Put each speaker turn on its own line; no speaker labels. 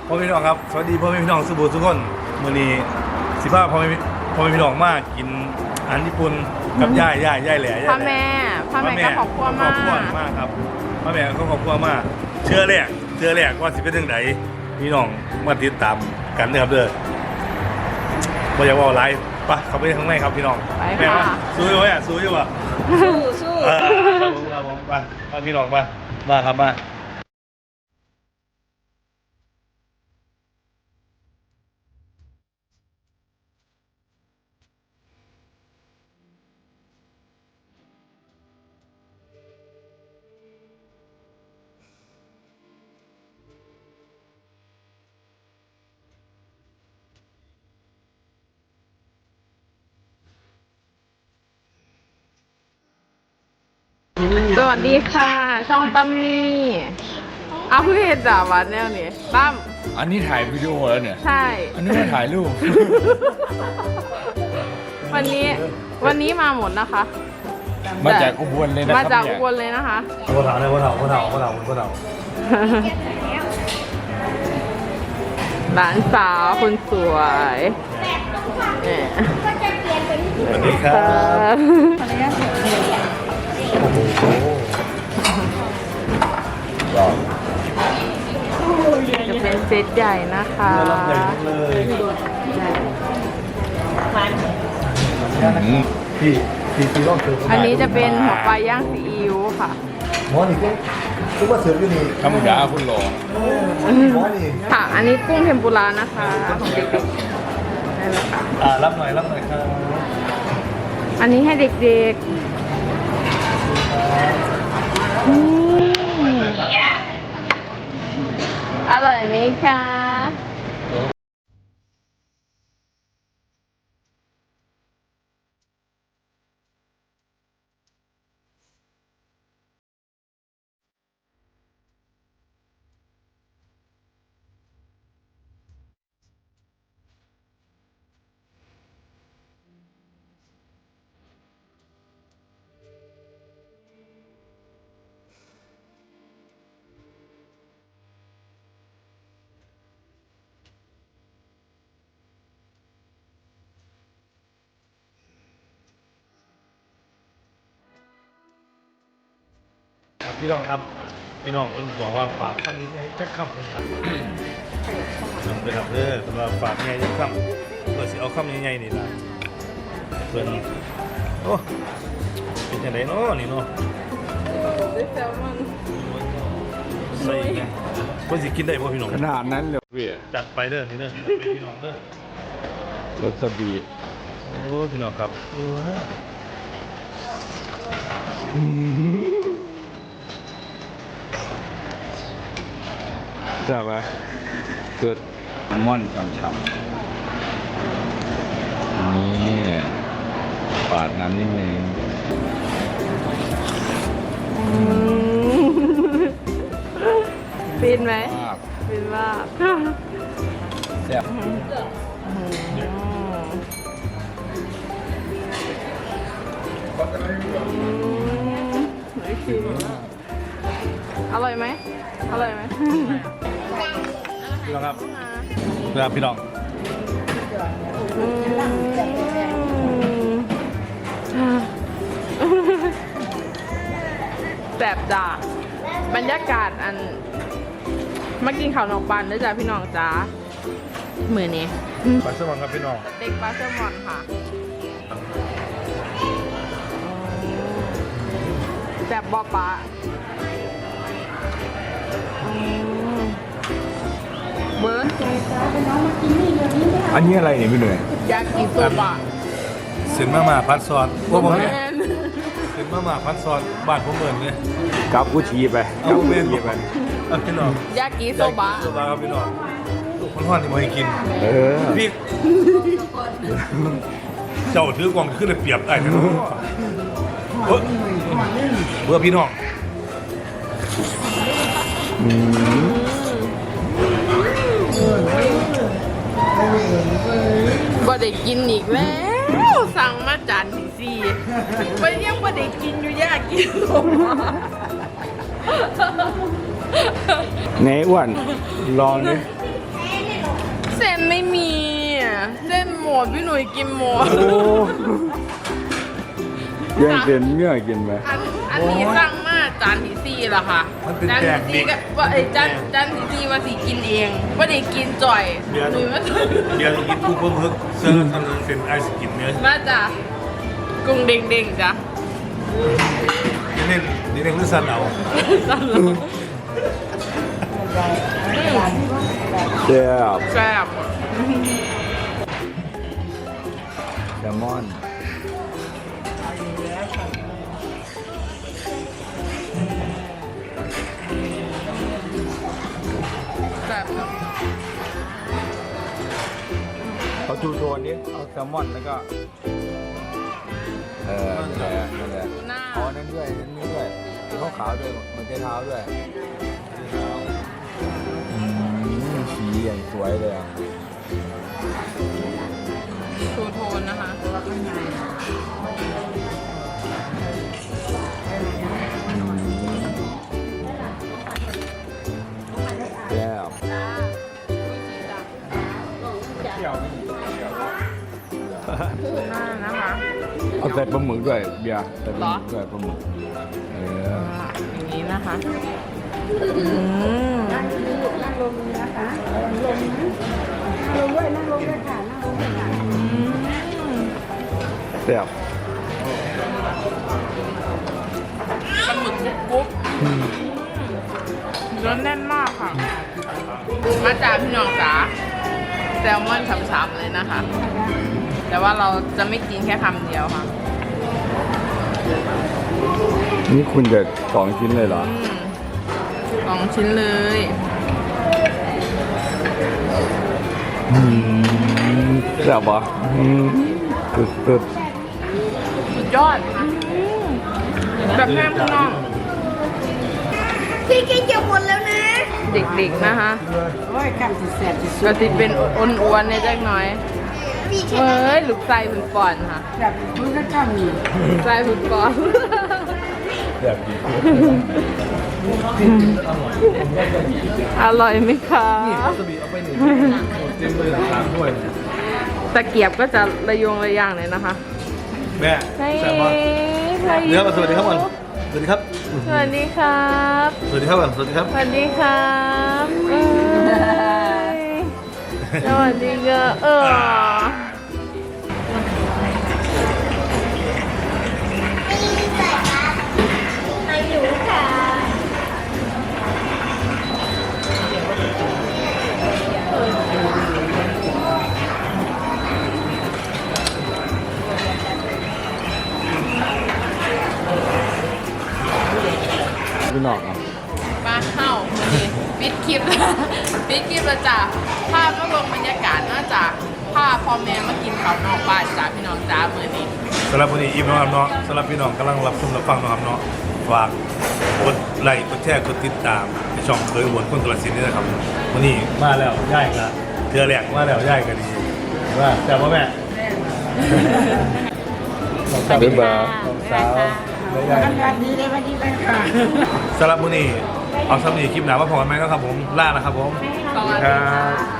พ่อพี่น้องครับสวัสดีพ่อพี่น้องสุบูทุกคนมื้อนี้สิพาพ่อพี่น้องมากินอาหารญี่ปุ่นกับย่ายแหล่
พ่อแม่ก็ขอบคุณมาก
ครับพ่อแม่ก็ขอบคุณมากเชื่อแรกว่าสิเป็นจังไดพี่น้องมาติดตามกันเด้อครับเด้อบ่อยากว่าหลายปะเข้าไปข้างในครับพี่น้องแม่ว่าสู้อยู่อ่ะสู้อยู่อ่ะสู้ครับผมไปพี่น้องมาครับมา
สวัสดีค่ะช่องตั้มมี่เอาเพื่อเห็นด่าวันแนวนี้ตั้ม
อันนี้ถ่ายวิดีโอแล้วเนี่ย
ใช่
อันนี้มาถ่ายรูป
วันนี้มาหมดนะคะ
มาจากอุบลเลยนะครับ
มาจากอุ
เนี่ย
บลเลยนะคะ
พ่อเฒ่าเลยพ่อเฒ่า
หลานสาวคนสวยเนี่ย
สวัสดีครับโอ้โห
จะเป็นเซตใหญ่นะคะ
รับใหญ่เลย พี่ต้องเสิร์ฟ
อันนี้จะเป็นหัวปลาย่างซีอิ๊วค่ะ
หมอนี่ก็ว่าเสิร์ฟอยู่นี่
ธรรมดาคุณหลอ
หมอนี่
ค่ะ อันนี้กุ้งเทมปุระนะคะของเด็กๆได้เลยค่ะ
รับหน่อยครับ
อันนี้ให้เด็กๆอร่อยไหมคะ
พี่น้องครับพี่น้องบอกว่าฝากคำนี้ให้จักคำเลยครับเลยครับสำหรับฝากไงจักคำเพื่อสิเอาคำใหญ่ๆนี่ละเพื่อนโอ้เป็นยังไงเนาะนี่เนาะ
ด้วยแซลมอน
ใส่ไงเพื่อสิกินได้ป่ะพี่น้อง
ขนาดนั้นเลยพี่
จัดไปเด้อนี่เด้อจัดไปพี่น้องเด้อ
รสบี
โอ้พี่น้องครับ
ทราบไหมเกิดม่อนฉ่ำๆนี่ปาดน้ำนิดนึง
ฟินไหม
มาก
ฟินมาก
แซ่บ
อร่อยไหมอร่อยไหม
พี่น้องครับครับพี่น้อง
แบบจ้าบรรยากาศอันมากินข้าวนอกบ้านด้วยจ้าพี่น้องจ้ามือนี้
ปลาสมองครับพี่น้อง
เด็กปลาแซลมอนค่ะแบบบอปลาเบิร์ด
อันนี้อะไรเนี่ยพี่หน่วย
ยากิโซบะ
เส้นมาม่าพัดซอสพวกผมเนี่ย
แม่น
เส้นมาม่าพัดซอสบ้านผมเหมือนเนี่ย
กับกุชีไป
เอาเมนไปเอาพี่น้อง
ยากิโซบะ
โซบะครับพี่น้องลูกคนห้อนที่มาให้กิน
เออ
พี่เจ้าถือกล่องขึ้นเลยเปรียบได้นะเบื่อพี่น้อง
บ่ได้กินอีกแล้ว สั่งมาจานที่สี่ไปยังบ่ได้กินอยู่ยากิโซบะ
ไหนอ้วนลองดิ
เส้นไม่มีอะเส้นหมดพี่หนุ่ยกินหมด
แย่งเป็นเมื่อกินไหม
อันนี้สั่งมาจานที่สี่แล้วค่ะ
มันเป็น
จาน
แกง
ที่
เด็
สี่
ก
ก็ว่าไอ้จานที่สี่ว่าสิกินเองว่าได้กินจ่อยหนุ่ยมา
เดี๋ยวกินกุ้งเพิ่มเพิ่มเสื้อทำเป็นไอศกรีมเนื้อ
มาจ้ะกุ้งเด้งๆจ้ะ
เน้นเน้นเรื่องสันเอา
แซ่บ
แซ่บ
แซลมอน
แซ่บจ้ะ
เอาทูโทนดิเอาแซลมอนแล้วก็นั่นแหละนั่นแหละ
หน้า
เอาอันนั้นด้วยอันนี้ด้วยมีข้าวขาวด้วยมันใช้เท้าด้วยสีอย่างสวยเลยอ่ะ
ทูโทนนะคะ
แซ่บ
หน้านะคะ
เอาใส่ปลาหมึกด้วยเบียร์ใส่ปลาหมึกด้วยปลาหมึก
อย่างนี้นะคะอืม
นั่งลงนะคะลงด้วยนั่งลงด้วยค่ะนั่งลงด้วยค่ะ
แซ่บ
ปลาหมึกกรุ๊บเนื้อแน่นมากค่ะ มาจากพี่น้องจ๋าแซลมอนฉ่ำๆเลยนะคะ แต่ว่าเราจะไม่กินแค่คำเดียวค่ะ
นี่คุณจะ2 ชิ้นเลยเหรอ
2 ชิ้นเลย
แซ่บปะสุด
สุดยอดแบบแห้งข้างนอก
พี่กินจะหมดแล้วนะ
เด็กๆนะคะ
โอ้ยคำสุดแสบสุด
ก็ติเป็นอ้วนๆเนี่ยจักหน่อย
พี่แค่
เฮ้ยลูกไส้พึ่งปอนค่ะ
แบบมันก็ข้ามนี่
ลูกไส้พึ่งปอน
แบบดี
อร่อยไหมคะ
สบีเอาไปหนึ่งเต็มเลยสามถ้วย
ตะเกียบก็จะระยงระย่างเลยนะคะ
แม่
ใช่
แซ่บมากเดี๋ยวสวัสดีครับก่อนสวัสดีครับ
สวัสดีครับ
สวัสดีครับก่อนสวัสดีครับ
สวัสดีครับเอ้ยสวัสดีค่ะ
ไม่รู้ค่ะ
พี่น้องอ่ะ
มาเข้านี่ปิดคลิป ปิดคลิปแล้วจ้ะภาพก็ลงบรรยากาศน่าจะภาพพ่อแม่มากินข้าวนอกบ้านจ้าพี่น้องจ้ามื้อนี้
สำหรับวันนี้อิ่มนะครับเนาะสำหรับพี่น้องกำลังรับชมรับฟังนะครับเนาะฝากกดไลค์กดแชร์กดติดตามในช่องเคยอวดคนกระสินนี่นะครับวันนี้มาแล้วย่ายกันเทือแหลกมาแล้วย่ายกันดีว่าแต่ว่าแม่
บ๊ายบาย
สาวไม่ได้
วันนี้ได้วันนี้ไปค่ะ
สำหรับวันนี้เอาสำนีคลิปหนามาพอกันไหมครับผมล่านะครับผม
สวัสดีค่ะ